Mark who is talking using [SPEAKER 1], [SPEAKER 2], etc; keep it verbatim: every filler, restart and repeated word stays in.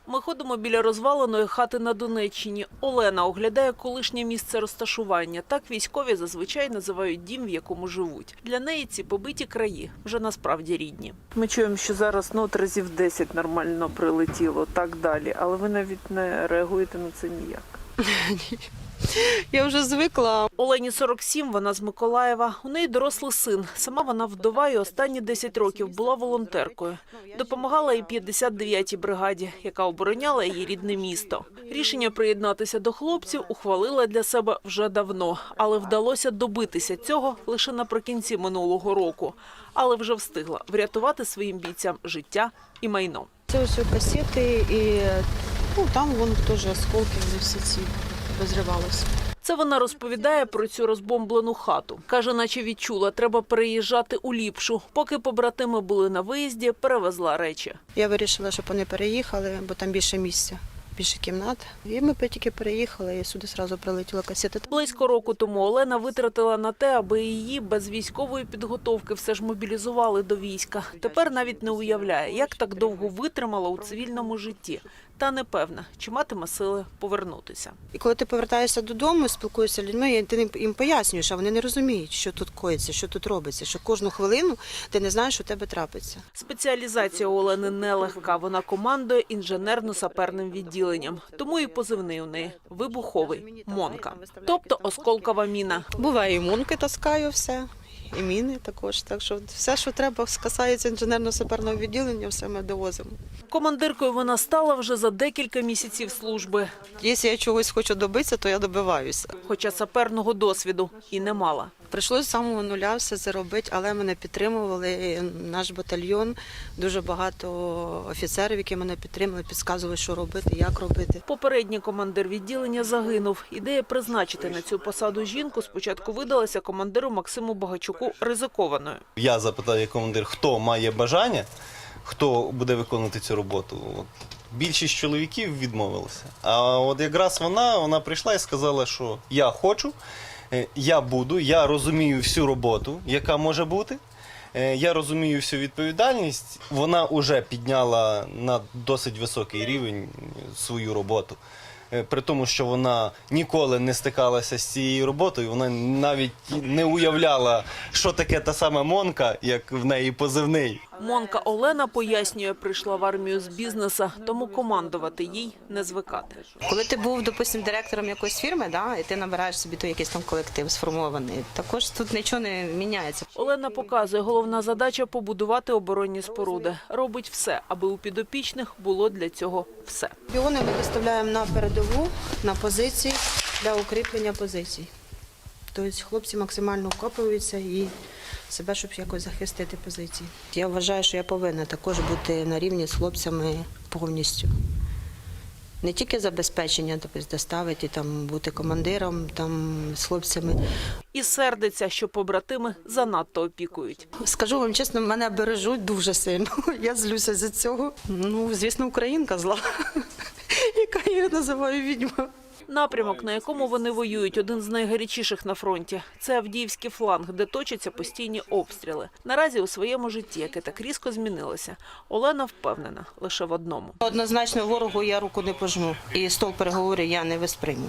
[SPEAKER 1] Ми ходимо біля розваленої хати на Донеччині. Олена оглядає колишнє місце розташування. Так військові зазвичай називають дім, в якому живуть. Для неї ці побиті краї вже насправді рідні. Ми чуємо, що зараз ну, от разів десять нормально прилетіло, так далі. Але ви навіть не реагуєте на це ніяк.
[SPEAKER 2] Я вже звикла.
[SPEAKER 1] Олені сорок сім, вона з Миколаєва. У неї дорослий син. Сама вона вдова і останні десять років була волонтеркою. Допомагала і п'ятдесят дев'ятій бригаді, яка обороняла її рідне місто. Рішення приєднатися до хлопців ухвалила для себе вже давно. Але вдалося добитися цього лише наприкінці минулого року. Але вже встигла врятувати своїм бійцям життя і майно.
[SPEAKER 2] Це ось касети і ну, там вон теж осколки, вони всі ці розривалися.
[SPEAKER 1] Це вона розповідає про цю розбомблену хату. Каже, наче відчула, треба переїжджати у ліпшу. Поки побратими були на виїзді, перевезла речі.
[SPEAKER 2] Я вирішила, щоб вони переїхали, бо там більше місця, більше кімнат. І ми тільки переїхали, і сюди одразу прилетіла касета.
[SPEAKER 1] Близько року тому Олена витратила на те, аби її без військової підготовки все ж мобілізували до війська. Тепер навіть не уявляє, як так довго витримала у цивільному житті. Та не певна, чи матиме сили повернутися.
[SPEAKER 2] І коли ти повертаєшся додому, спілкуєшся з людьми, ти їм пояснюєш, а вони не розуміють, що тут коїться, що тут робиться, що кожну хвилину ти не знаєш, що у тебе трапиться.
[SPEAKER 1] Спеціалізація у Олени нелегка. Вона командує інженерно-саперним відділенням. Тому і позивний у неї – вибуховий – Монка. Тобто осколкова міна.
[SPEAKER 2] Буває, і монки таскаю все, і міни також. Так що все, що треба, касається інженерно-саперного відділення, все ми довозимо.
[SPEAKER 1] Командиркою вона стала вже за декілька місяців служби.
[SPEAKER 2] Якщо я чогось хочу добитися, то я добиваюся.
[SPEAKER 1] Хоча саперного досвіду і не мала.
[SPEAKER 2] Прийшлося з самого нуля все це робити, але мене підтримували, наш батальйон, дуже багато офіцерів, які мене підтримали, підказували, що робити, як робити.
[SPEAKER 1] Попередній командир відділення загинув. Ідея призначити на цю посаду жінку спочатку видалася командиру Максиму Багачуку ризикованою.
[SPEAKER 3] Я запитав як командир, хто має бажання, хто буде виконувати цю роботу. От. Більшість чоловіків відмовилися. А от якраз вона, вона прийшла і сказала, що я хочу, я буду, я розумію всю роботу, яка може бути, я розумію всю відповідальність. Вона вже підняла на досить високий рівень свою роботу. При тому, що вона ніколи не стикалася з цією роботою, вона навіть не уявляла, що таке та сама Монка, як в неї позивний.
[SPEAKER 1] Монка Олена пояснює, прийшла в армію з бізнесу, тому командувати їй не звикати.
[SPEAKER 2] Коли ти був, допустим, директором якоїсь фірми, да, і ти набираєш собі то якийсь там колектив сформований, також тут нічого не міняється.
[SPEAKER 1] Олена показує, головна задача – побудувати оборонні споруди. Робить все, аби у підопічних було для цього все.
[SPEAKER 2] Біони ми виставляємо на передову, на позиції, для укріплення позицій. Тобто хлопці максимально вкопуються і себе, щоб якось захистити позиції. Я вважаю, що я повинна також бути на рівні з хлопцями повністю. Не тільки забезпечення, тобто доставити, там, бути командиром там, з хлопцями.
[SPEAKER 1] І сердиться, що побратими занадто опікують.
[SPEAKER 2] Скажу вам чесно, мене бережуть дуже сильно. Я злюся за цього. Ну, звісно, українка зла, яка я називаю відьма.
[SPEAKER 1] Напрямок, на якому вони воюють, один з найгарячіших на фронті. Це Авдіївський фланг, де точаться постійні обстріли. Наразі у своєму житті, яке так різко змінилося, Олена впевнена лише в одному.
[SPEAKER 2] Однозначно ворогу я руку не пожму і стол переговорів я не висприйму.